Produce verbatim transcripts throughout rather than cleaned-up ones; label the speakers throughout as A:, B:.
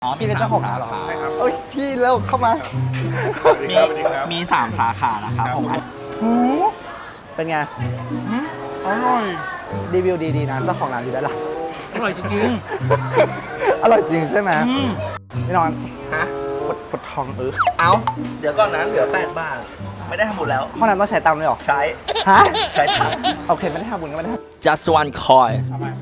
A: อ๋อ
B: พี่เป็นเจ้าของร้านเหรอ
A: ใช่ครับ
B: เอ้ยพี่เร็วเข้ามา
A: มีมีสามสาขานะครับผมอัน
B: หูเป็นไง
C: อร่อย
B: รีวิวดีๆนะเจ้าของร้านอยู่ด้านหลัง
C: อร่อยจริง
B: อร่อยจริงใช่ไหม
C: ๆอืม
B: พี่นอน
A: ฮะ
B: ปวดปวดท้องเออ
A: เอาเดี๋ยวก่อนนะเหลือแปดบาท ไม่ได้ทำบุญแล้ว
B: ห้องน้ำต้องใช้ตังค์ด้วยเหรอ
A: ใช้
B: ฮะ
A: ใช้ตังค์
B: โอเคไม่ได้ทำบุญก็ไม่ได้ทำ
A: just one coin
C: ทำไม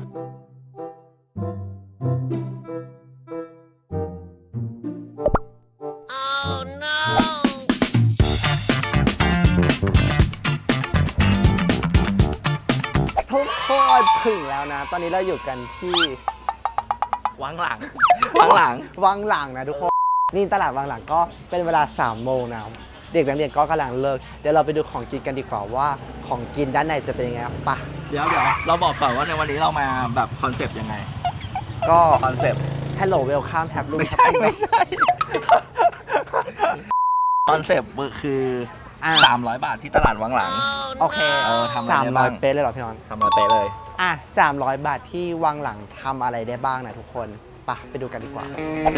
B: ทุกคนถึงแล้วนะ ตอนนี้เราอยู่กันที่
A: วังหลัง วังหลัง
B: วังหลังนะทุกคน นี่ตลาดวังหลังก็เป็นเวลาสามโมงนะเด็กนักเรียนก็กำลังเลิก เดี๋ยวเราไปดูของกินกันดีกว่าว่าของกินด้านในจะเป็นยังไงปะ
A: เดี๋ยวเดี๋ยวเราบอกก่อนว่าในวันนี้เรามาแบบคอนเซปต์ยังไง
B: ก็
A: คอนเซปต์
B: Hello Welcome Tab รูม
A: ไม่ใช่ไม่ใช่ คอนเซปต์คือ
B: อ่ะ
A: สามร้อยบาทที่ตลาดวังหลัง
B: โอเค
A: เออทำอะไร
B: สาม
A: ได้
B: ร้อ
A: บ้าย ง
B: เป๊ะเลยเหรอพี่นอน
A: ทำอะไรเป๊ะเลย
B: อ่ะสามร้อยบาทที่วังหลังทำอะไรได้บ้างนะทุกคนปะไปดูกันดีกว่า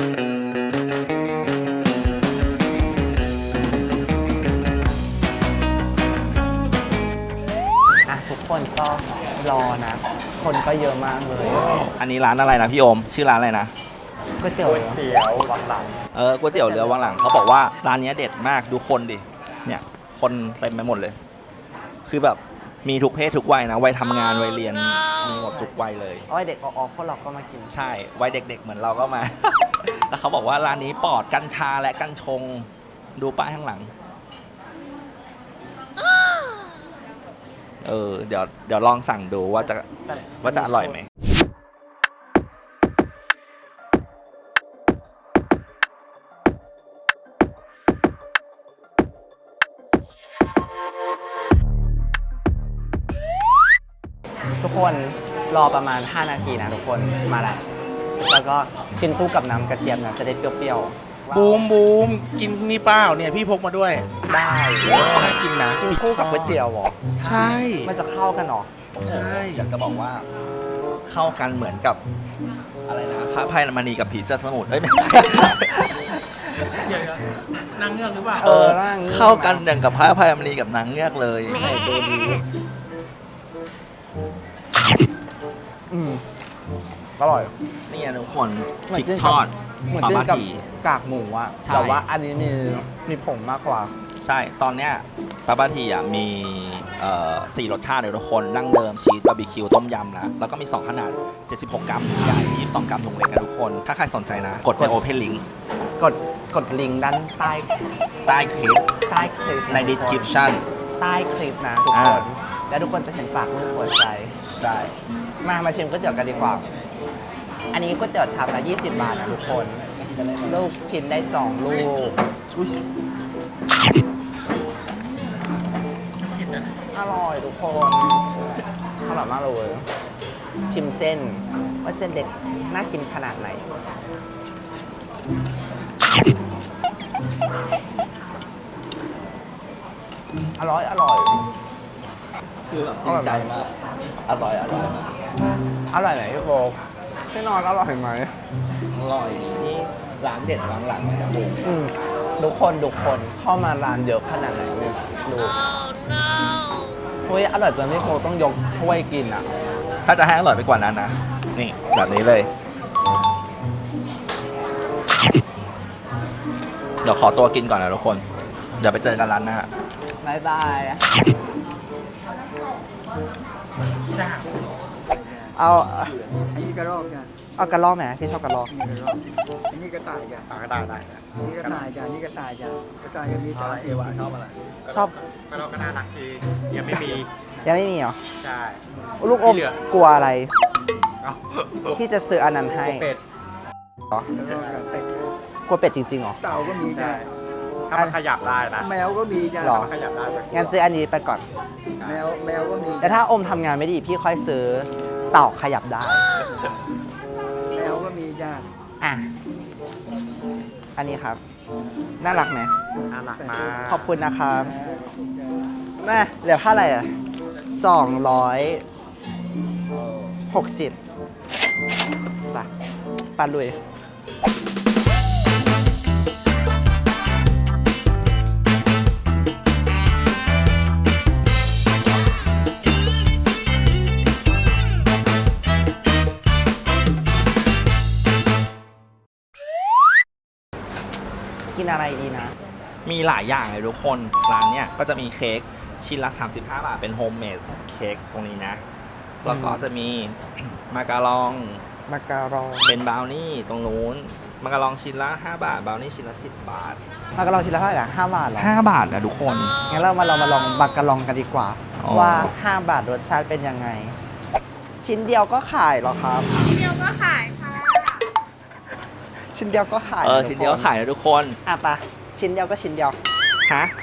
B: อ่ะทุกคนก็รอนะ คนก็เยอะมากเลย
A: อันนี้ร้านอะไรนะพี่โอม ชื่อร้านอะไรนะ
B: ก๋วยเตี๋ยวเหรอ
C: เตี๋ยววังหลัง
A: เออก๋วยเตี๋ยวเรือวังหลังเขาบอกว่าร้านนี้เด็ดมากดูคนดิ เนี่ย คนเต็มไปหมดเลย คือแบบมีทุกเพศทุกวัยนะ วัยทำงาน วัยเรียน มีหมดทุกวัยเลย
B: อ้อยเด็กออกพวกเราก็มากิน
A: ใช่ วัยเด็กๆ เหมือนเราก็มา แล้วเขาบอกว่าร้านนี้ปลอดกัญชาและกัญชง ดูป้ายข้างหลัง เออ เดี๋ยว เดี๋ยวลองสั่งดูว่าจะ ว่าจะอร่อยไหม
B: ทุกคนรอประมาณห้านาทีนะทุกคนมาแล้วแล้วก็กินตู้กับน้ำกระเจี๊ยบนะจะได้เปรี้ยวๆ
C: บูมบูมกินนี่เปล่าเนี่ยพี่พกมาด้วย
B: ได้
C: น่ากินนะ
B: กินคู่กับก๋วยเตี๋ยวเหรอ
C: ใช่
B: มันจะเข้ากันเหรอ
C: ใช่
A: อยากจะบอกว่าเข้ากันเหมือนกับอะไรนะพระพายมณีกับผีเสื้อสมุทรเอ้ยไม่ใช่
C: เดี๋ยวๆนางเงือกหรือเปล่า
A: เออ
B: ร่าง
A: เข้ากันอย่างกับพระพายมณีกับนางเงือกเลย
B: ไหนดูดีอืมอร่อย
A: นี่ไงทุกคน
B: เหมื
A: พ
B: อน
A: ริก
B: กิน
A: ท
B: กับ
A: อด
B: เหมือน
A: ปลา
B: กิน
A: บา
B: กับ
A: ที
B: กากหมูอะ
A: ใช่
B: แต่ว่าอันนี้มีมีผงมากกว่า
A: ใช่ตอนเนี้ยปลาบาทีอ่ะมีเอ่อสี่รสชาติเลยทุกคนดั้งเดิมชีสบาร์บีคิวต้มยำนะแล้วก็มีสองขนาดเจ็ดสิบหกกรัมถุงใหญ่ยี่สิบสองกรัมถุงเล็กนะทุกคน ถ้าใครสนใจนะ กดในโอเพนลิงก์
B: กดกดลิงก์ด้านใต้
A: ใต้คลิป
B: ใต้คลิป
A: ใน description
B: ใต้คลิปนะทุกคน
A: อ่า
B: แล้วทุกคนจะเห็นฝากมือหัวใจ
A: ใช่
B: มามาชิมก๋วยเตี๋ยวกันดีกว่า อันนี้ก๋วยเตี๋ยวชามละยี่สิบบาทนะทุกคน ลูกชิ้นได้สองลูก
A: อุ๊ย
B: อร่อยทุกคน อร่อยมากเลย ชิมเส้น ว่าเส้นเด็กน่ากินขนาดไหน อร่อย อร่อย
A: คือแบบจริงใจมากอร่อยอร่อย
B: อร่อยไหนพี่โบพี่นอนอร่อยไหม
A: อร่อยดีนี่ร้านเด็ดร้านหลังนะผม
B: อืมทุกคนทุกคนเข้ามาร้านเยอะขนาดไหนเนี่ยดูเฮ้ยอร่อยจนพี่โบต้องยกถ้วยกินอ่ะ
A: ถ้าจะให้อร่อยไปกว่านั้นนะ นี่แบบนี้เลย เดี๋ยวขอตัวกินก่อนนะทุกคน เดี๋ยวไปเจอกันร้านหน้า
B: บายบาย
C: แซ่บ
B: เอา
D: อันนี้กระรอกจ้ะ
B: เอากระรอกไหมพี่ชอบกระรอก
D: อันนี้กระรอกอันนี้กระต่ายจ้ะ
C: ก็ได้ได้
D: อันนี้กระต่ายจ้ะอันนี้กระต่ายจ้ะกระต่ายจะมีสาม
A: เอวะชอบอะไร
B: ชอบ
C: ก็เราก็น่ารักดียังไม่มี
B: ยังไม่มีเหรอ
C: ใช่
B: ลูกอม
C: ที่เหลือ
B: กลัวอะไร
C: เอา
B: ที่จะซื้ออันนั้นให้
C: เป็ด
B: เหรอก
D: ระรอกกับเป็ด
B: กลัวเป็ดจริงๆเหรอ
D: เต่าก็มีจ้ะ
C: ถ้ามันขยับได้นะ
D: แมวก็มีจ้ะ
B: หรอ
C: มันขยับได้แบบ
B: งั้นซื้ออันนี้ไปก่อน
D: แมวแมวก็มี
B: แต่ถ้าอมทำงานไม่ดีพี่ค่อยซื้อเต่าขยับได้
D: แมวก็มีจ้ะ
B: อ่ะ อันนี้ครับ น่ารักไหม
C: น่ารักมาก
B: ขอบคุณนะครับน่ะเหลือเท่าไหร่อ่ะสองร้อยหกสิบไปปันลุยกินอะไรดีนะ
A: มีหลายอย่างเลยทุกคนร้านเนี้ยก็จะมีเค้กชิ้นละ สามสิบห้า บาทเป็นโฮมเมดเค้กตรงนี้นะแล้วก็จะมี มาการอง
B: มาการอง
A: เป็นบราวนี่ตรงนู้นมาการองชิ้นละห้าบาทบราวนี่ชิ้นละสิบบาท
B: มาการองชิ้นละเท่าไหร่อะห้าบาทเหรอ
A: ห้าบาทนะทุกคน
B: งั้นเรามาลองมาลองมาการองกันดีกว่า
A: อ๋อ
B: ว่า ห้า บาทรสชาติเป็นยังไง ชิ้นเดียวก็ขายเหรอครับ
E: ชิ้นเดียวก็ขายค่ะ
B: ชิ้นเดียวก็ขาย
A: เออ
B: ทุก
A: ชิ้นเดียว
B: ค
A: ขายนะทุกคน
B: อ่ะปะชิ้นเดียวก็ชิ้นเดียว
A: ฮะ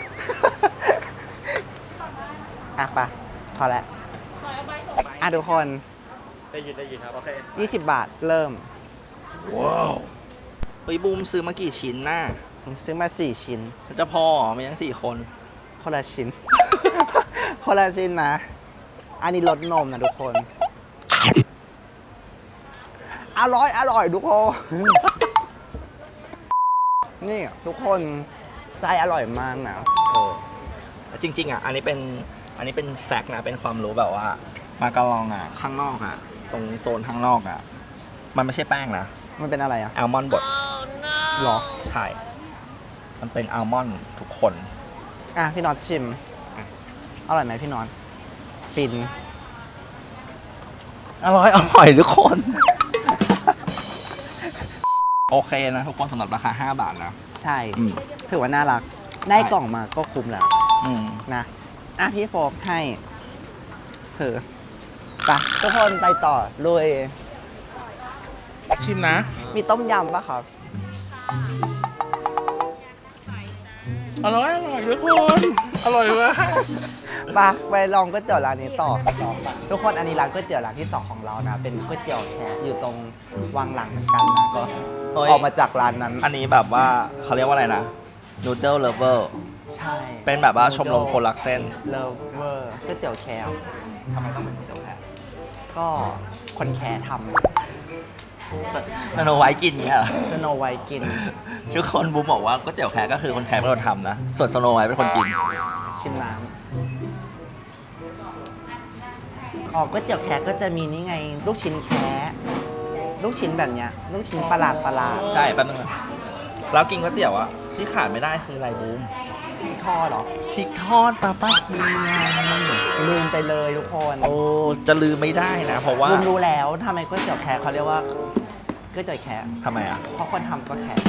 B: อ่ะปะพอแล้วอ่ะทุกคน
A: ได้ยินได้ยินครับโอเค
B: ยี่สิบบาทเริ่ม
A: ว้าวเฮ้ยบูมซื้อมากี่ชิ้นน่ะ
B: ซื้อมาสี่ชิ้น
A: จะพอเหรอมีทั้งสี่คน
B: คนละชิ้น คนละชิ้นนะ อันนี้รสนมนะทุกคน อร่อย อร่อยทุกคน นี่ทุกคนไส้อร่อยมากนะ
A: เออจริงๆอ่ะอันนี้เป็นอันนี้เป็นแฟกต์นะเป็นความรู้แบบว่า มาการองอ่ะข้างนอกอ่ะตรงโซนข้างนอกอ่ะมันไม่ใช่แป้งนะ
B: มันเป็นอะไรอ่ะ
A: อัลมอนด์บด
B: หรอ
A: ใช่ มันเป็นอัลมอนด์ทุกคน
B: อ่ะ พี่น็อตชิม อร่อยไหมพี่น็อตฟิน
A: อร่อยอร่อยทุกคน โอเคนะทุกคนสำหรับราคาห้าบาทนะ
B: ใช่
A: อืม
B: ถือว่าน่ารัก ได้กล่องมาก็คุ้มแล้ว
A: อืม
B: นะ อ่ะ พี่โฟกให้เถอะไปทุกคนไปต่อลุย
C: ชิมนะ
B: มีต้มยำปะครับ
C: อร่อยอร่อยทุกคน อร่อยมาก
B: ไปไปลองก๋วยเตี๋ยวร้านนี้ต่อ ทุกคนอันนี้ร้านก๋วยเตี๋ยวร้านที่สองของเรานะ เป็นก๋วยเตี๋ยวแขกอยู่ตรงวังหลังเหมือนกันนะก็
A: เฮ้ย
B: ออกมาจากร้านนั้น
A: อันนี้แบบว่าเขาเรียกว่าอะไรนะนูเดิลเลเวอร์
B: ใช่
A: เป็นแบบว่าชมรมคนรักเส้น
B: เลิฟเวอร์ก๋วยเตี๋ยวแคร์
A: ทำไมต้องเป็นก๋วยเตี๋ยวแพะ
B: ก็คนแคร์ท
A: สโนไวท์กินเงี้ยเหรอ
B: ำสโนไวท์กิน
A: ทุกคนบูมบอกว่าก๋วยเตี๋ยวแขกก็คือคนแขกเป็นคนทำนะ ส่วนสโนไวท์เป็นคนกิน
B: ชิมน้ำอ๋อก๋วยเตี๋ยวแคร์ก็จะมีนี่ไง ลูกชิ้นแคร์ลูกชิ้นแบบเนี้ย ลูกชิ้นประหลาดประหลาด
A: ใช่แป๊บนึงนะแล้วกินก๋วยเตี๋ยวอะที่ขาดไม่ได้คืออะไรบูม
B: ที่ทอดเหรอ
A: พริกทอดปลาป้าคีไง
B: ลืมไปเลยทุกคน
A: โอ้จะลืมไม่ได้นะ เพราะว่า
B: ลืมรู้แล้วทำไมก๋วยเตี๋ยวแคร์เขาเรียกว่าก๋วยเตี๋ยวแคร์
A: ทำไมอะ
B: เพราะคนทำก็แคร์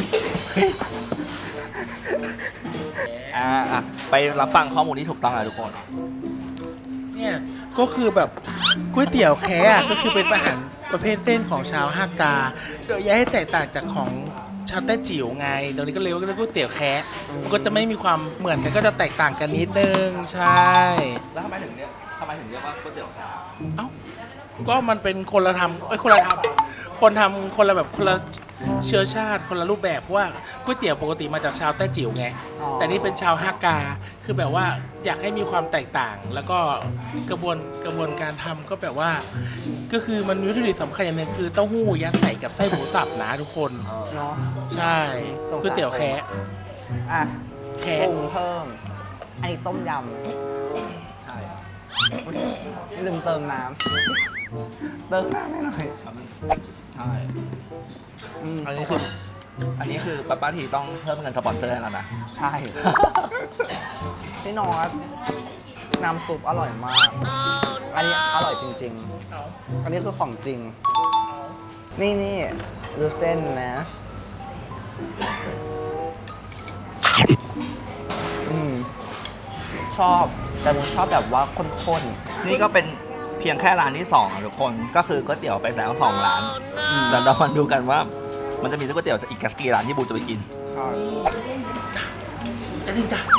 A: อ่าอ่ะไปรับฟังข้อมูลที่ถูกต้องนะทุกคน
C: เนี่ยก็คือแบบก๋วยเตี๋ยวแคะอะก็คือเป็นอาหารประเภทเส้นของชาวฮากา โดยย้ายให้แตกต่างจากของชาวแต้จิ๋วไงตรงนี้ก็เรียกว่าก๋วยเตี๋ยวแคะมันก็จะไม่มีความเหมือนกันก็จะแตกต่างกันนิดนึงใช่
A: แล้วทำไมถึงเรียกทำไมถึงเรียกว่าก๋วยเตี๋ยวแขก
C: เอ้าก็มันเป็นคนละทำเอ้ยคนละทำคนทำคนละแบบคนละเชื้อชาติคนละรูปแบบเพราะว่าก๋วยเตี๋ยวปกติมาจากชาวแต้จิ๋วไง
B: อ๋อ
C: แต่นี่เป็นชาวฮากา คือแบบว่าอยากให้มีความแตกต่าง แล้วก็กระบวนกระบวนการทำก็แบบว่า ก็คือมันมีวัตถุดิบสำคัญอย่างหนึงคือเต้าหู้ยัดใส่กับไส้หมูสับนะทุกคน
B: เนาะ
C: ใช่ก๋วยเตี๋ยวแคะ
B: อ่ะ
C: แคะ
B: ปรุงเพิ่ม อันนี้ต้มย
A: ใช่
B: ำลืมเติมน้ำเติมน้ำให้หน่อย
A: ใช่
B: อืม
A: อันนี้คืออันนี้คือป้าป้าทีต้องเพิ่มเงินสปอนเซอร์ให้เรานะ
B: ใช่ พี่นอตน้ำซุปอร่อยมาก อันนี้อร่อยจริง ๆ อันนี้คือของจริง นี่นี่ดูเส้นนะ อืมชอบ แต่ผมชอบแบบว่าข้น
A: นี่ก็เป็นเพียงแค่ร้านที่สองอะทุกคนก็คือก๋วยเตี๋ยวไปแล้วสองร้านเดี๋ยวเรามาดูกันว่า มันจะมีก๋วยเตี๋ยวอีกกี่ร้านที่บูจะไปกิน
B: ๆใช่
C: จะถึงจ้ะ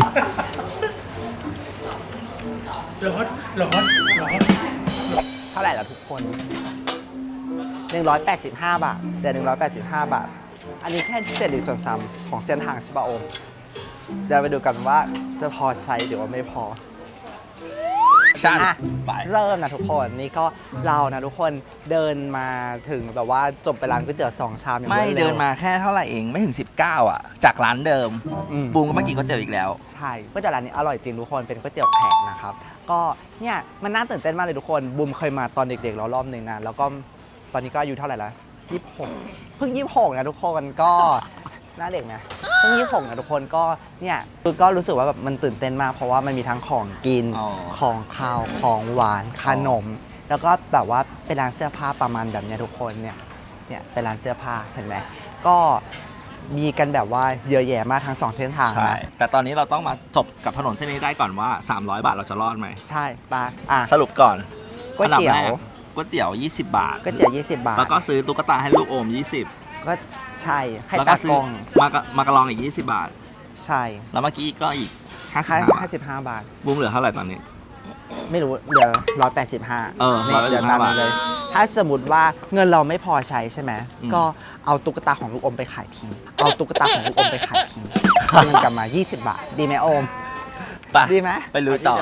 C: ร้อนร้อนร้อน
B: เท่าไหร่ล่ะทุกคน หนึ่งร้อยแปดสิบห้า บาทเดี๋ยวหนึ่งร้อยแปดสิบห้า บาท อันนี้แค่เศษหนึ่งส่วนสามของเส้นทางใช่ปะโอม เดี๋ยวไปดูกันว่าจะพอใช้หรือว่าไม่พอ
A: ชั่น
B: อ่ะ
A: ไป
B: เริ่มนะทุกคนนี่ก็เรานะทุกคนเดินมาถึงแบบว่าจบไปร้านก๋วยเตี๋ยวสองชามอย่าง
A: ไม่
B: รวร็ว
A: เดินมาแค่เท่าไหร่เองไม่ถึงสิบเก้าอ่ะ จากร้านเดิม
B: อืม
A: บูมก็มากินก๋วยเตี๋ยวอีกแล้ว
B: ใช่ก๋วยเตี๋ยวร้านนี้อร่อยจริงทุกคนเป็นก๋วยเตี๋ยวแขกนะครับก็เนี่ยมันน่าตื่นเต้นมากเลยทุกคนบูมเคยมาตอนเด็กๆแล้วรอบหนึ่งนะแล้วก็ตอนนี้ก็อายุเท่าไหร่ละยี่สิบหกเพิ่งยี่สิบหกนะทุกคนก็หน้าเด็กไหมช่วงยี่สิบหกนะทุกคนก็เนี่ยคือก็รู้สึกว่าแบบมันตื่นเต้นมากเพราะว่ามันมีทั้งของกิน
A: อ๋อ
B: ของข้าวของหวานขนม แล้วก็แบบว่าเป็นร้านเสื้อผ้าประมาณแบบเนี้ยทุกคนเนี่ยเนี่ยเป็นร้านเสื้อผ้าเห็นไหมก็มีกันแบบว่าเยอะแยะมากทั้งสองเส้นทาง
A: ใช่
B: นะ
A: แต่ตอนนี้เราต้องมาจบกับถนนเส้นนี้ได้ก่อนว่า สามร้อย บาทเราจะรอดไหม
B: ใช่ปะอ่ะ
A: สรุปก่อน
B: ก๋วยเตี๋ยว
A: อันดับแรกก๋วยเตี๋ยว ยี่สิบบาท
B: ก๋วยเตี๋ยวยี่สิบบาท
A: แล้วก็ซื้อตุ๊กตาให้ลูกโอม ยี่สิบ
B: ก็ใช่ให้
A: แล้ว
B: ตา
A: ก็ซื้
B: ก
A: อ
B: ล้อง
A: มากะมากระลองอีก ยี่สิบบาท
B: ใช่
A: แล้วเมื่อกี้ก็อีก ห้าสิบ
B: ห้า
A: ห้า บาท
B: สิบห้าบาท
A: บูมเหลือเท่าไหร่ตอนนี้
B: ไม่รู้เหลือร้อยแปดสิบห้า
A: เออ
B: นี่เดี๋ยวตามนี้เลย ถ้าสมมติว่าเงินเราไม่พอใช้ใช่ไหม
A: อืม
B: ก็เอาตุ๊กตาของลูกอมไปขายทิ้งเอาตุ๊กตาของลูกอมไปขายทิ้งเงินกลับมา ยี่สิบบาท ดีไหมโอม
A: ไป
B: ดีไหม
A: ไปลุยต่อ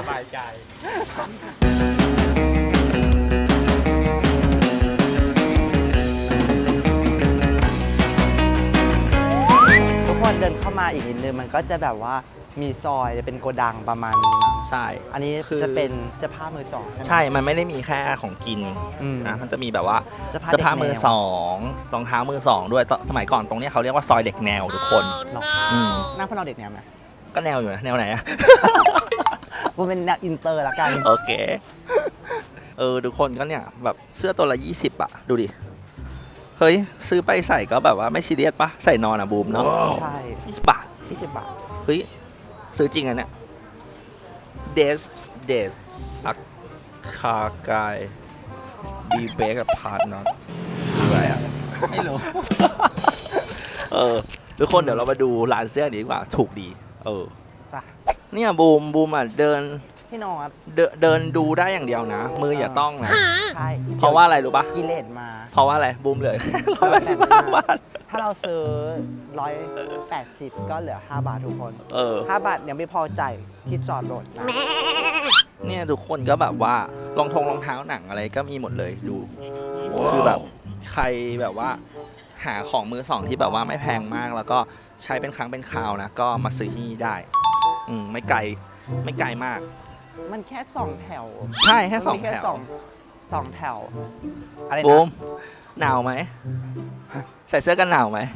B: ทุกคนเดินเข้ามาอีกนิดนึงมันก็จะแบบว่ามีซอยเป็นโกดังประมาณนี้นะ
A: ใช่
B: อันนี้
A: คือ
B: จะเป็นเสื้อผ้ามือสองใช่ไหม
A: ใช่ มันไม่ได้มีแค่ของกิน
B: อืม
A: นะ มันจะมีแบบว่า
B: เสื้อผ้า
A: เสื้อผ้า
B: เด็กแนว
A: มือสองรองเท้ามือสองด้วยตสมัยก่อนตรงเนี้ยเขาเรียกว่าซอยเด็กแนวทุกคน
B: หรอ
A: อืม
B: หน้าพวกเราเด็กแนวไหม
A: ก็แนวอยู่นะ แนวไหนอะ
B: กูเป็นแนวอินเตอร์ละกัน
A: โอเค เออ ทุกคนก็เนี่ย แบบเสื้อตัวละยี่สิบอะดูดิ เฮ้ย ซื้อไปใส่ก็แบบว่าไม่ซีเรียสปะใส่นอนอะบูมเนาะ
B: ใช่
A: ยี่สิบบาท
B: ยี่สิบบาท
A: เฮ้ย ซื้อจริงอันเนี่ยเดสเดสอักคากายบีเบกับพาร์ทน็อตอะไรอะไม่รู้ เออ ทุกคนเดี๋ยวเรามาดูร้านเสื้อนี้ดีกว่า ถูกดี เออ
B: ป่ะ
A: เนี่ยบูมบูมอ่ะเดิน
B: พี่นอต
A: เดินเดินดูได้อย่างเดียวนะ มืออย่าต้องนะ
B: ใช่
A: เพราะว่าอะไรรู้ปะ
B: กิเลสมา
A: เพราะว่าอะไรบูมเหลือร้อยแปดสิบห้าบาท
B: ถ้าเราซื้อร้อยแปดสิบก็เหลือห้าบาททุกคน
A: เออ
B: ห้าบาทยังไม่พอจ่ายที่จอดรถนะ
A: เนี่ยทุกคนก็แบบว่ารองทงรองเท้าหนังอะไรก็มีหมดเลยดู คือแบบใครแบบว่าหาของมือสองที่แบบว่าไม่แพงมาก แล้วก็ใช้เป็นครั้งเป็นคราวนะ ก็มาซื้อที่นี่ได้ อืมไม่ไกลไม่ไกลมาก
B: มันแค่สองแถว
A: ใช่แค่สอง
B: มันมี
A: แถว
B: สองสองแถว อะไร
A: บู
B: นะ
A: มหนาวไหม ใส่เสื้อกันหนาวไหม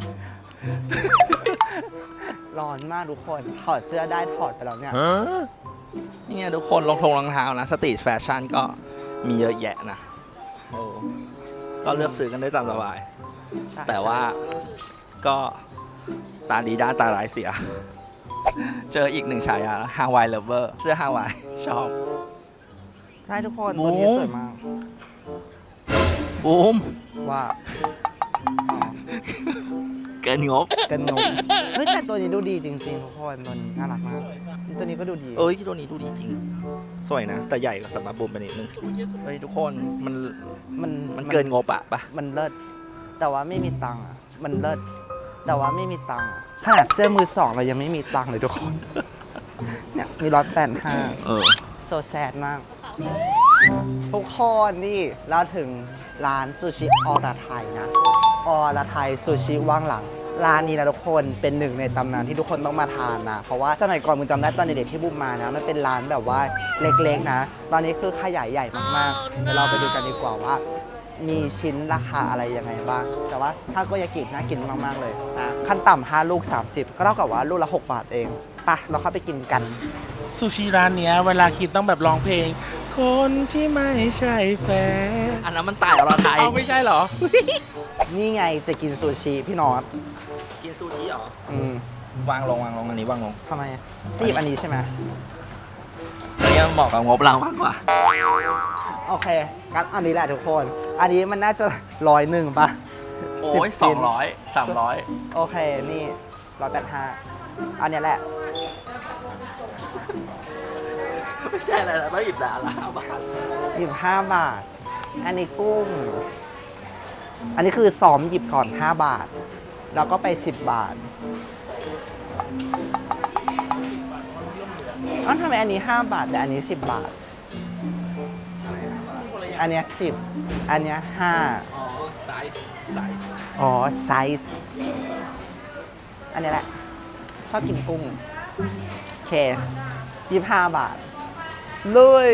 B: ร้อนมากทุกคน ถอดเสื้อได้ถอดไปแล้วเนี่ย
A: เนี่ยทุกคนรองทงรองเท้านะสตรีทแฟชั่นก็มีเยอะแยะนะโอ้ก็เลือกซื้อกันได้ตามสบาย
B: ใช่
A: แต่ว่าก็ตาดีด้านตาร้ายเสีย เจออีกหนึ่งฉายาฮาวายเลเวอร์เสื้อฮาวายชอบ
B: ใช่ทุกคน
A: บู
B: ตัว
A: ม
B: นี้สวยมาก
A: บูม
B: ว่าอ๋อ
A: เกินงบ
B: กันนมเฮ้ยแต่ตัวนี้ดูดีจริงๆทุกคนตัวนี้น่ารักมากตัวนี้ก็ดูดี
A: เอ้ยตัวนี้ดูดีจริง สวยนะ แต่ใหญ่กว่าสำหรับบูมไปนิดนึงเฮ้ยทุกคนมัน
B: มัน
A: มันเกินงบอะปะ
B: มันเลิศแต่ว่าไม่มีตังค์อ่ะมันเลิศแต่ว่าไม่มีตังค์อะขนาดเสื้อมือสองเรายังไม่มีตังค์เลยทุกคน เนี่ยมีร้อยแปดห้า
A: เออ
B: โซแซดมาก ทุกคนนี่เราถึงร้านซูชิออราไทยนะออราไทยซูชิว่างหลัง ร้านนี้นะทุกคนเป็นหนึ่งในตำนานที่ทุกคนต้องมาทานนะ เพราะว่าสมัยก่อนมึงจำได้ตอนเด็กๆที่บุมมานะมันเป็นร้านแบบว่าเล็กๆนะ ตอนนี้คือขยายใหญ่มากๆเดี๋ยวเราไปดูกันดีกว่าว่า มีชิ้นราคาอะไรยังไงบ้าง แต่ว่าถ้าโกยากิน่ากินมากๆเลยนะขั้นต่ำห้าลูก สามสิบ ก็เท่ากับว่าลูกละหกบาทเองไปะเราเข้าไปกินกัน
C: ซูชิร้านเนี้ยเวลากินต้องแบบร้องเพลง คนที่ไม่ใช่แฟน
A: อันนั้นมันตายอรไทย
C: เอาไม่ใช่เหรอ
B: นี่ไงจะกินซูชิพี่นอต
A: กินซูชิเหรอ
B: อืม
A: วางลงวางลงอันนี้วางลง
B: ทำไมพี่หยิบอันนี้ใช่ไหม
A: อันนี้มันเหมาะกับงบเรามากกว่า
B: โอเคงั้นอันนี้แหละทุกคน อันนี้มันน่าจะร้อยหนึ่งป่ะ
A: โอ้ย
B: สิบ
A: สองร้อยสามร้อย
B: โอเค นี่ร้อยแปดห้าอันเนี้ยแหละ
A: ไม่ใช่อะไรนะต้องหยิบแต่ละห้าบาท
B: หยิบห้าบาท อันนี้กุ้ง อันนี้คือซ้อมหยิบก่อนห้าบาท แล้วก็ไปสิบบาทอ้าวทำไมอันนี้ห้าบาทแต่อันนี้สิบบาท อันเนี้ยสิบอันเนี้ยห้า
A: อ๋อไซส์ไซส์
B: อ๋อ ไซส์ อันนี้แหละ ชอบกินกุ้ง โอเคยี่สิบห้าบาท ลุย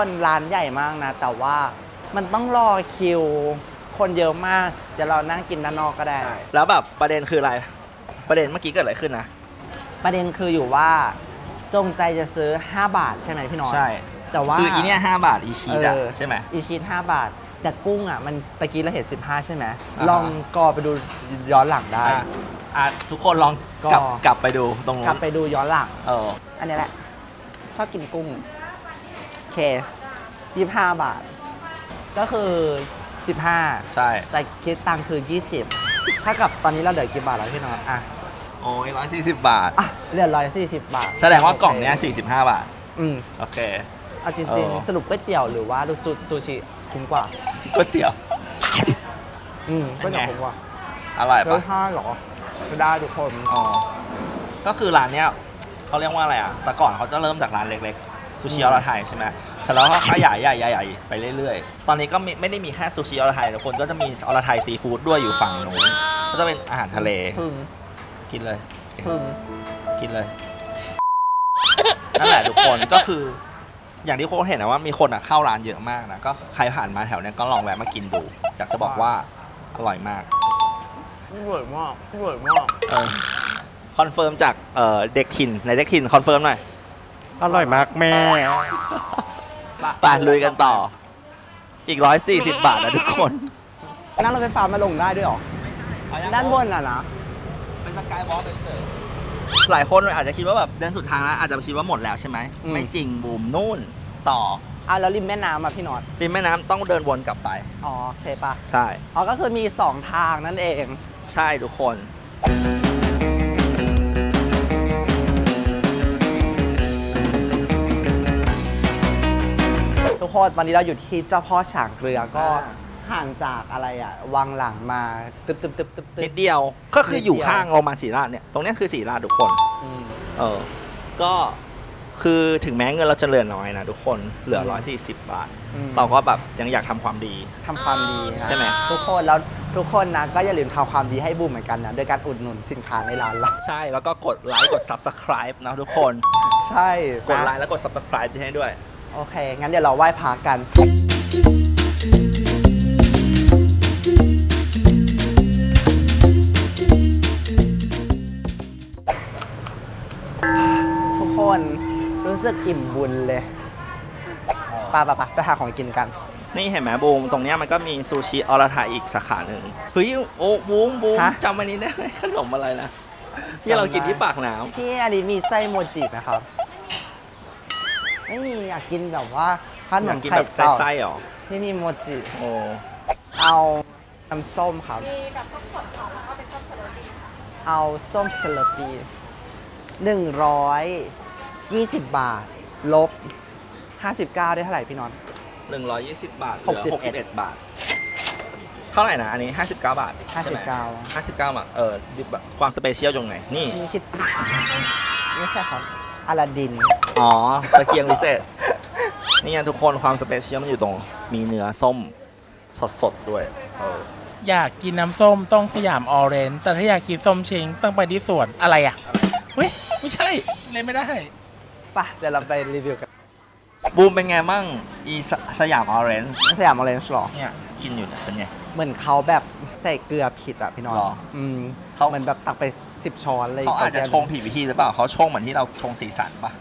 B: คนร้านใหญ่มากนะ แต่ว่ามันต้องรอคิว คนเยอะมากเดี๋ยวเรานั่งกินด้านนอกก็ได้
A: ใช่แล้วแบบประเด็นคืออะไร ประเด็นเมื่อกี้เกิดอะไรขึ้นนะ
B: ประเด็นคืออยู่ว่าจงใจจะซื้อห้าบาทใช่ไหมพี่น้อย
A: ใช่
B: แต่ว่า
A: คืออีเนี่ยห้าบาทอีชีสอะ
B: เออ
A: ใช่ไหม
B: อีชีสห้าบาท แต่กุ้งอ่ะมันตะกี้เราเห็นสิบห้าใช่ไหม
A: อ่าฮะ
B: ลองกอไปดูย้อนหลังได้
A: อ่ะอ่ะทุกคนลองกลับ
B: ก็
A: กลับไปดูตรงนู้
B: กลับ
A: น
B: ไปดูย้อนหลัง
A: เออ
B: อันนี้แหละ ชอบกินกุ้งโอเคยี่ห้าบาท ก็คือสิบห้า
A: ใช่
B: แต่คิดตังค์คือยี่สิบถ้ากับตอนนี้เราเหลือกี่บาทแล้วพี่น้องอ่ะ
A: โอ้ยร้อยสี่สิบบาท
B: อ่ะเหลือร้อยสี่สิบบาท
A: แสดงว่ากล่องเนี้ยสี่สิบห้าบาท
B: อืม
A: โอเค
B: เอาจ
A: เอ
B: ริง
A: อ
B: ๆ สรุปก๋วยเตี๋ยวหรือว่าซูซูชิคุ้มกว่า
A: ก๋วยเตี๋ยว
B: อืม
A: เป็
B: ก๋วย
A: นไง
B: เตี๋ยวคุ้มกว่า
A: อร่อย
B: เฮ้
A: ปะ
B: ยห้าเหรอไม่ได้ทุกคน
A: อ๋อ ก็คือร้านเนี้ยเขาเรียกว่าอะไรอ่ะ แต่ก่อนเขาจะเริ่มจากร้านเล็กๆ ซูชิออร์ไทยใช่ไหมเสร็จแล้วก็ขยายใหญ่ใหญ่ไปเรื่อยๆ ตอนนี้ก็ไม่ไม่ได้มีแค่ซูชิออร์ไทยทุกคนก็จะมีออร์ไทยซีฟู้ดด้วยอยู่ฝั่งนู้นก็จะเป็นอาหารทะเล
B: พึ่ง
A: กินเลย
B: พึ่ง
A: กินเลย นั่นแหละทุกคนก็คือ อย่างที่โค้ชเห็นนะว่ามีคนอ่ะเข้าร้านเยอะมากนะ ก็ใครผ่านมาแถวเนี้ยก็ลองแวะมากินดู อยากจะบอกว่าอร่อยมาก
B: อร่อยมากอร่อยมาก
A: เออคอนเฟิร์มจากเอ่อเด็กถิ่นในเด็กถิ่นคอนเฟิร์มหน่อย
B: อร่อยมากแม่
A: ไปลุยกันต่อ อีกร้อยสี่สิบบาทนะทุกคน
B: นั่งรถไฟฟ้ามาลงได้ด้วยเหรอ ด้านบนอ่ะนะ
A: เป็นสกายวอล์กเฉยๆหลายคนอาจจะคิดว่าแบบเดินสุดทางแล้วอาจจะคิดว่าหมดแล้วใช่ไหม
B: อืม
A: ไม่จริงบูมนู่นต่อ
B: อ่ะแล้วริมแม่น้ำอ่ะพี่น็อต
A: ริมแม่น้ำต้องเดินวนกลับไป
B: อ๋อโอเคปะ
A: ใช่
B: อ๋อก็คือมีสองทางนั่นเอง
A: ใช่ทุกคน
B: ทุกคนวันนี้เราอยู่ที่เจ้าพ่อฉางเกลือก็
A: อ่า
B: ห่างจากอะไรอ่ะวังหลังมาตึ๊บตึ๊บตึ๊บตึ๊บตึ๊
A: นิ
B: บ
A: ดเดียวก็คืออยู่
B: นิดเดียว
A: ข้างโรงพยาบาลศรีราชเนี่ยตรงเนี้ยคือศรีราชทุกคน
B: อืม
A: เออ ก็คือถึงแม้เงินเราจะเหลือน้อยนะทุกคนเหลือ
B: อืม
A: ร้อยสี่สิบบาท
B: อืม
A: เราก็แบบยังอยากทำความดี
B: ทำความดีนะ
A: ใช่ไหม
B: ทุกคนแล้วทุกคนนะก็อย่าลืมทำความดีให้บูมเหมือนกันนะโดยการอุดหนุนสินค้าในร้านเรา
A: ใช่แล้วก็กดไลค์กด subscribe นะทุกคน
B: ใช่
A: กดไล
B: นะ
A: ค์แล้วกด subscribe ให้ด้วย
B: โอเค งั้นเดี๋ยวเราไหว้พระกัน ทุกคนรู้สึกอิ่มบุญเลยไปไปไปไปหาของกินกัน
A: นี่เห็นไหมบูมตรงเนี้ยมันก็มีซูชิอรไทยอีกสาขาหนึ่งเฮ้ยโอ้บูมบูม
B: ฮะ
A: จำอันนี้ได้ไหมขนมอะไรนะที่เรากินที่ปากน้
B: พี่อันนี้มีไส้โมจิไหมครับ ไม่มีอยากกินแบบว่าข
A: ำอน ยาก
B: ม
A: กิน
B: ไข่
A: แบบ
B: เต่า
A: ไส้ๆหรอ
B: ที่มีโมจิ
A: โอ้
B: เอาน้ำส้มครับ เอาส้มสลัดปีหนึ่งร้อยยี่สิบบาท ลบห้าสิบเก้าได้เท่าไหร่พี่นอน
A: หนึ่งร้อยยี่สิบบาทเห
B: ห
A: ลื
B: ก
A: อ
B: สิบ
A: หกสิบเอ็ดบาท เท่าไหร่นะอันนี้ห้าสิบเก้าบาท
B: ห้าสิบเก้า
A: ห้าสิบเก้าบาทเออดิบความสเปเชียลตรงไหนนี่
B: นี่คิด ไม่ใช่ครับอลาดิน
A: อ๋อตะเกียงพิเศษ นี่ไงทุกคนความสเปเชียลมันอยู่ตรง มีเนื้อส้มสดๆด้วยเออ
C: อยากกินน้ำส้มต้องสยามออเรนจ์แต่ถ้าอยากกินส้มเชงต้องไปที่สวนอะไรอ่ะเฮ้ย ไม่ใช่เลยไม่ได้
B: ป่ะ เดี๋ยวเราไปรีวิวกัน
A: บูมเป็นไงมั่งอีสสยามออเรนจ์
B: สยามออเรนจ์หรอ
A: เนี่ยกินอยู่เนี่ยเป็นไง
B: เหมือนเขาแบบใส่เกลือผิดอ่ะพี่นอน
A: หรอ
B: อืม
A: เขา
B: เหมือนแบบตักไปสิบช้อนเลย
A: เขาอาจจะชงผิดวิธีหรือเปล่าเขาชงเหมือนที่เราชงสีสันปะ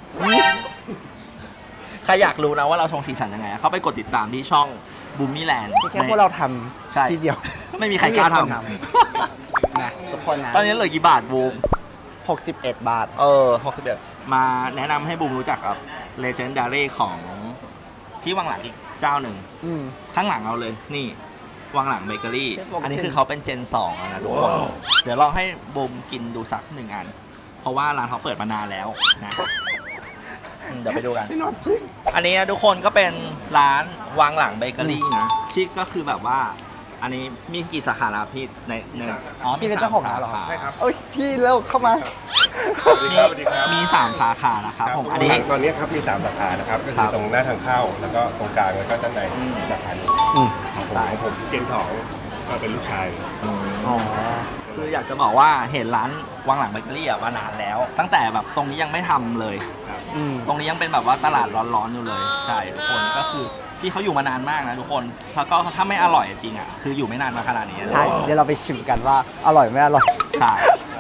A: ใครอยากรู้นะว่าเราชงสีสันยังไงเขาไปกดติดตามที่ช่องบูมมี่แลนด์
B: ที่แค่พวกเราท
A: ใช่
B: ำทีเดียว
A: ไม่มีใครกล้าท
B: ไม่มีคนทำ นะทุกคนนะ
A: ำ ตอนนี้เหลือกี่บาทบูม
B: หกสิบเอ็ดบาท
A: เออหกสิบเอ็ดมาแนะนำให้บูมรู้จักกับ Legendary ของที่วังหลังอีกเจ้าหนึ่ง
B: อืม
A: ข้างหลังเราเลยนี่วังหลังเบเกอรี่
B: เรียกว่า
A: อันนี้คือเขาเป็นเจนสองแล้วนะทุกคน เดี๋ยวลองให้บูมกินดูสักหนึ่งอัน เพราะว่าร้านเขาเปิดมานานแล้วนะอืมเดี๋ยวไปดูกัน
B: พี่นอนชิค
A: อันนี้นะทุกคนก็เป็นร้านวังหลังเบเกอรี่นะชิคก็คือแบบว่า อันนี้มีกี่สาขาแล้วพี่ในในอ๋อมี
B: พี่เป็น
A: สา
B: เจ้าม ของ
A: สา
B: ร้านเหรอ
A: ขา
E: ใช่ครับ
B: โอ้ยพี่เร็วเข้ามา
A: มีมีสามสาขานะครับผมอันนี้
E: ตอนนี้ครับมีสามสาขานะครับก็
A: ครั
E: คือบ ตรงหน้าทางเข้าแล้วก็ตรงกลางแล้วก็ด้านใน
A: อืม
E: สาขาหนึ่ง
B: อืม
E: ของผมของผมเกณฑ์ทองก็เป็นลูกชาย
B: อ๋อ
A: คืออยากจะบอกว่าเห็นร้านวังหลังเบเกอรี่อะมานานแล้ว ตั้งแต่แบบตรงนี้ยังไม่ทำเลย
B: อืม
A: ตรงนี้ยังเป็นแบบว่าตลาดร้อนๆอยู่เลยใช่ทุกคนก็คือที่เขาอยู่มานานมากนะทุกคนแล้วก็ถ้าไม่อร่อยจริงอ่ะคืออยู่ไม่นานมาขนาดนี้
B: ใช่ เดี๋ยวเราไปชิมกันว่าอร่อยไม่อร่อย
A: ใช่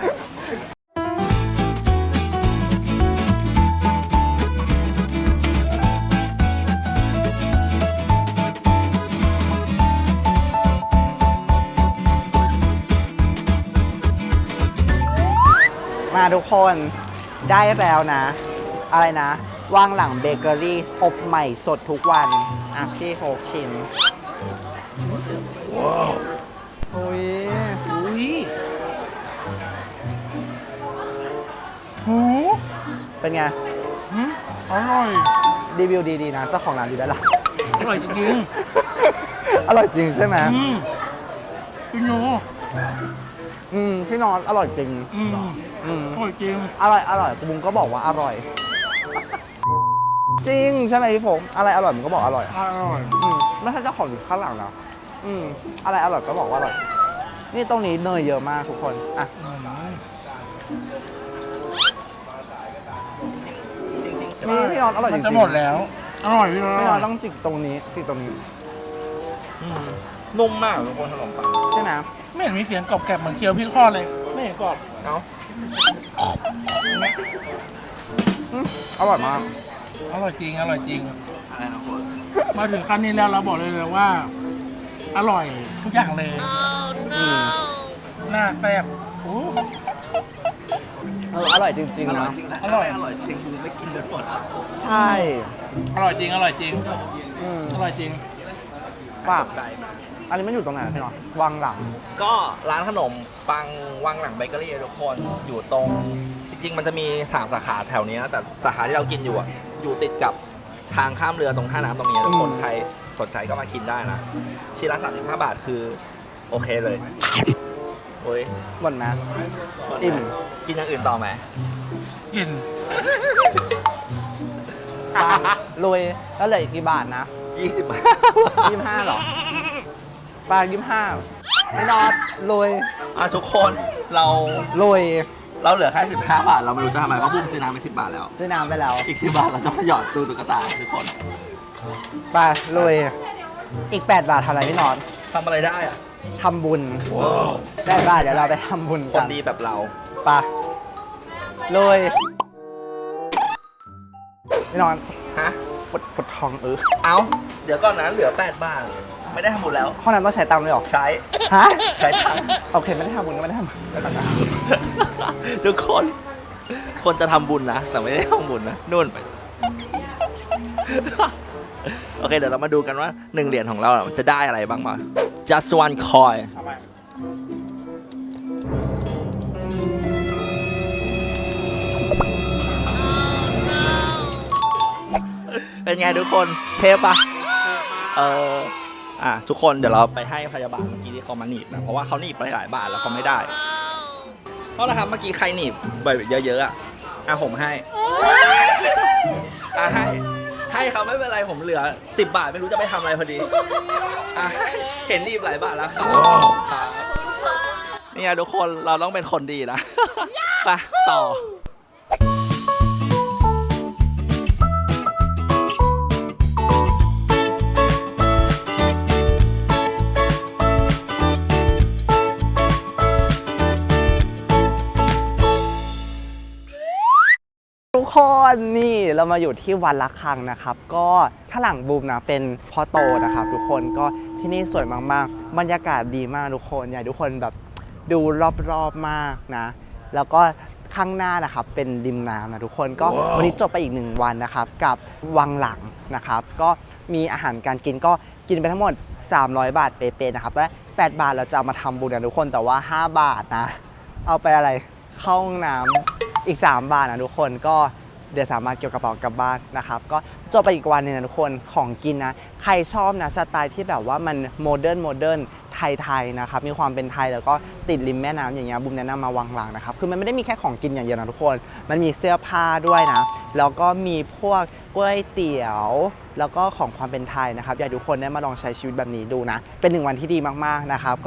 B: มาทุกคนได้แล้วนะ อะไรนะว่างหลังเบเกอรี่อบใหม่สดทุกวันอ่ะพี่โฮกชิมว้าวโอ้ย
C: อุ้ยโห
B: เป็นไง
C: หืมอร่อย
B: รีวิวดีๆนะเจ้าของร้านดีได้ละ
C: อร่อยจริง
B: อร่อยจริงใช่ไหม
C: ๆอืมพี่โย
B: อืมพี่นอนอร่อยจริง
C: อืม
B: อืม
C: อร่อยจริง
B: อร่อยอร่อยบุ้งก็บอกว่าอร่อย จริงใช่ไหมพี่ผมอะไรอร่อยมึงก็บอกอร่อย
C: อร่อย
B: อืมไม่ใช่เจ้าของอยู่ข้างหลังนะอืมอะไรอร่อยก็บอกว่าอร่อย นี่ตรงนี้เนยเยอะมากทุกคนอ่ะ
C: อืม
B: นี่พี่นอนอร่อยจ
C: มั
B: ริ
C: น
B: ง
C: จะ
B: ๆ
C: หมดแล้ว อร่อยพี่
B: พี่น
C: อ
B: อ
C: ร่อน ย
B: ต้องจิกตรงนี้จิกตรงนี้
A: อืมนุ่มมากทุกคนขนมปัง
B: ใช่ไหม
C: ไม่เห็นมีเสียงกรอบแกรบเหมือนเคี้ยวพี่ข้อดเลย ไม่เห็นกรอบ
A: เอ้า
B: อืมอร่อยมาก
C: อร่อยจริง อร่อยจริง
A: อะไรนะคน
C: มาถึงขั้นนี้แล้วเราบอกเลยเลยว่า อร่อยทุกอย่างเลย
B: อืม
C: หน้าแซ่บโอ้
B: เอออร่อยจริง
A: อ
B: ๆ
A: ร่อย
B: นะ
A: จริงนะ
C: อร่อย
A: อร่อยจริงกูไม่กินเลยหมดแล้ว
B: ใช่
C: อร่อยจริง อร่อยจริง
B: อืม
C: อร่อยจริง
B: ฝาก
A: ใจมาก
B: อันนี้มันอยู่ตรงไหนนะพี่นอนวังหลัง
A: ก็ร้านขนมปังวังหลังเบเกอรี่ทุกคนอยู่ตรงจริงๆ มันจะมีสามสาขาแถวนี้นะแต่สาขาที่เรากินอยู่อ่ะอยู่ติดกับทางข้ามเรือตรงท่าน้ำตรงนี้ทุกคน
B: อืม
A: ใครสนใจก็มากินได้นะชิ้นละสามสิบห้าบาทคือโอเคเลยโอ้ย
B: หมดไหมอิ่ม
A: กินอย่างอื่นต่อไหม
C: กิน
B: ปลาลุยแล้วเหลืออีกกี่บาทนะ
A: ยี่สิบบาท
B: ยี่สิบห้าหรอปลายี่สิบห้าไม่นอนลุย
A: อ่ะทุกคนเรา
B: ลุย
A: เราเหลือแค่สิบห้าบาทเราไม่รู้จะทำอะไรเพราะบุ้มซื้อน้ำไปสิบบาทแล้ว
B: ซื้อน้ำไปแล้ว
A: อีกสิบบาทเราจะมาหยอดตู้ตุ๊กตาทุกคน
B: ไปลุย อีกแปดบาททำอะไรพี่นอน
A: ทำอะไรได้อ่ะ
B: ทำบุญแปดบาทเดี๋ยวเราไปทำบุญ
A: ค
B: กัน น
A: ดีแบบเรา
B: ไปลุยพี่นอน
A: ฮะ
B: ปวดปวดท้องเออ
A: เอาเดี๋ยวก่อนนะเหลือแปดบาทไม่ได้ทำบุญแล้ว
B: ห้องน้ำต้องใช้ตังค์ด้วยเหรอ
A: ใช้
B: ฮะ
A: ใช้ตังค์
B: โอเค ไม่ได้ทำบุญก็ไม่ได้ทำบุญแล้วกันนะ
A: ทุกคน คนจะทำบุญนะ แต่ไม่ได้ทำบุญนะนู่นไป โอเค เดี๋ยวเรามาดูกันว่าหนึ่งเหรียญของเราจะได้อะไรบ้างมา just one coin เป็นไงทุกคนเทปปะเอออ่ะทุกคนเดี๋ยวเราไปให้พยาบาลเมื่อกี้ที่เขามาหนีบนะเพราะว่าเขาหนีบไปหลายบาทแล้วเขาไม่ได้เพราะนะครับเมื่อกี้ใครหนีบไปเยอะๆอ่ะอ่ะผมให้อ่ะให้ให้เขาไม่เป็นไรผมเหลือสิบบาทไม่รู้จะไปทำอะไรพอดีอ่ะเห็นหนีบหลายบาทแล้วครับครับนี่ไงทุกคนเราต้องเป็นคนดีนะ ไปต่อ
B: ทุกคนนี่เรามาอยู่ที่วัดละคังนะครับ ก็ข้างหลังบูมนะเป็นพ่อโตนะครับทุกคนก็ที่นี่สวยมากๆบรรยากาศดีมากทุกคนอยากให้ทุกคนแบบดูรอบๆมากนะ แล้วก็ข้างหน้านะครับเป็นริมน้ำนะทุกคนก็วันนี้จบไปอีกหนึ่งวันนะครับกับวังหลังนะครับ ก็มีอาหารการกินก็กินไปทั้งหมดสามร้อยบาทเป๊ะๆนะครับและแปดบาทเราจะเอามาทำบุญกันทุกคนแต่ว่าห้าบาทนะเอาไปอะไรเข้าห้องน้ำอีกสามบาทนะทุกคนก็เดี๋ยวสามารถเกี่ยวกระเป๋ากลับบ้านนะครับก็จบไปอีกวันหนึงนะทุกคนของกินนะใครชอบนะสไตล์ที่แบบว่ามันโมเดิร์นโมเดิร์นไทยๆนะครับมีความเป็นไทยแล้วก็ติดริมแม่น้ำอย่างเงี้ยบุมแนะนำมาวังหลังนะครับคือมันไม่ได้มีแค่ของกินอย่างเดียวนะทุกคนมันมีเสื้อผ้าด้วยนะแล้วก็มีพวกก๋วยเตี๋ยวแล้วก็ของความเป็นไทยนะครับอยากให้ทุกคนได้มาลองใช้ชีวิตแบบนี้ดูนะเป็นหนึ่งวันที่ดีมากๆนะครับก็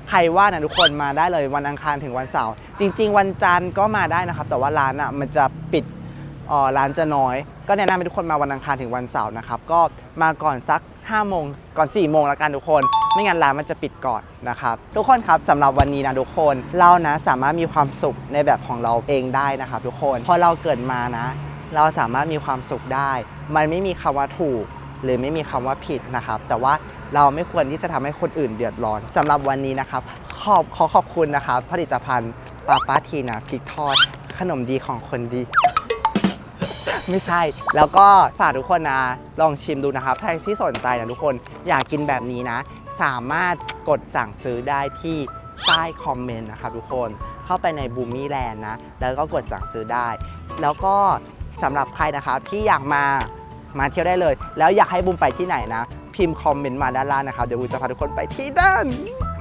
B: ใครว่านะทุกคนมาได้เลยวันอังคารถึงวันเสาร์จริง ๆ วันจันทร์ก็มาได้นะครับแต่ว่าร้านอ่ะมันจะปิดอ๋อร้านจะน้อยก็แนะนำให้ทุกคนมาวันอังคารถึงวันเสาร์นะครับก็มาก่อนสักห้าโมงก่อนสี่โมงแล้วกันทุกคนไม่งั้นร้านมันจะปิดก่อนนะครับทุกคนครับสำหรับวันนี้นะทุกคนเรานะสามารถมีความสุขในแบบของเราเองได้นะครับทุกคนพอเราเกิดมานะเราสามารถมีความสุขได้มันไม่มีคำว่าถูกหรือไม่มีคำว่าผิดนะครับแต่ว่าเราไม่ควรที่จะทำให้คนอื่นเดือดร้อนสำหรับวันนี้นะครับขอบขอขอบคุณนะครับผลิตภัณฑ์ปาป้าทีนะพริกทอดขนมดีของคนดี ไม่ใช่แล้วก็ฝากทุกคนนะลองชิมดูนะครับใครที่สนใจนะทุกคนอยากกินแบบนี้นะสามารถกดสั่งซื้อได้ที่ใต้คอมเมนต์นะครับทุกคนเข้าไปในบูมี่แลนด์นะแล้วก็กดสั่งซื้อได้ แล้วก็สำหรับใครนะครับที่อยากมามาเที่ยวได้เลยแล้วอยากให้บูมไปที่ไหนนะพิมพ์คอมเมนต์มาด้านล่างนะครับเดี๋ยวบูมจะพาทุกคนไปที่นั่น